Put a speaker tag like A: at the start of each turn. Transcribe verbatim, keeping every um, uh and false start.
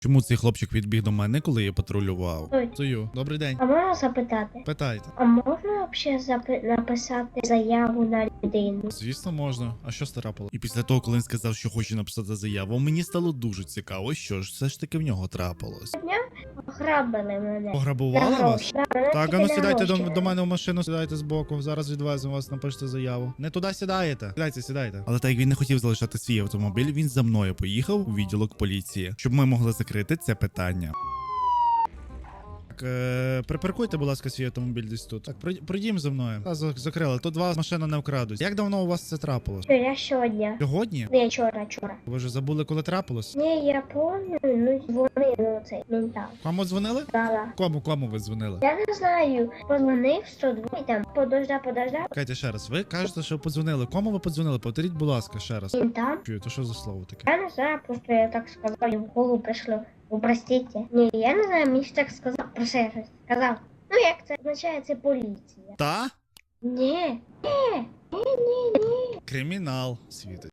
A: Чому цей хлопчик відбіг до мене, коли я патрулював?
B: Ой.
A: Сою, добрий день.
B: А можна запитати?
A: Питайте.
B: А можна взагалі запи... написати заяву на людину?
A: Звісно, можна. А що страпало? І після того, коли він сказав, що хоче написати заяву, мені стало дуже цікаво, що ж все ж таки в нього трапилось.
B: Ограбили мене.
A: Пограбували
B: На
A: вас?
B: гроші. Да, мене
A: Так,
B: тільки
A: а ну
B: на
A: сідайте до,
B: гроші.
A: до мене в машину, сідайте збоку. Зараз відвеземо вас, напишете заяву. Не туди сідаєте. Сідайте, сідайте. Але так як він не хотів залишати свій автомобіль, він за мною поїхав у відділок поліції, щоб ми могли закрити це питання. Так, е, припаркуйте, будь ласка, свій автомобіль десь тут. Так, пройд- пройдім за мною. Та, за- закрили. Тут два машини не вкрадуть. Як давно у вас це трапилось?
B: Що, я сьогодні?
A: Сьогодні?
B: Не, вчора, вчора.
A: Ви вже забули, коли трапилось?
B: Ні, я помню, ну дзвонив, ну цей ментал.
A: Кому дзвонили?
B: Дала.
A: Кому, кому ви дзвонили?
B: Я не знаю, позвонив сто два і там подожда, подожда.
A: Чекайте ще раз. Ви кажете, що подзвонили. Кому ви подзвонили? Повторіть, будь ласка, ще раз.
B: Він там.
A: Чую, то що за слово таке?
B: Я не знаю, просто я так сказав, і в голову прийшло. Ви простите. Ні, я не знаю, мені ж так сказав. Про що я щось сказав. Ну як це означає, це поліція.
A: Та?
B: Ні, ні, ні, ні, ні.
A: Кримінал світить.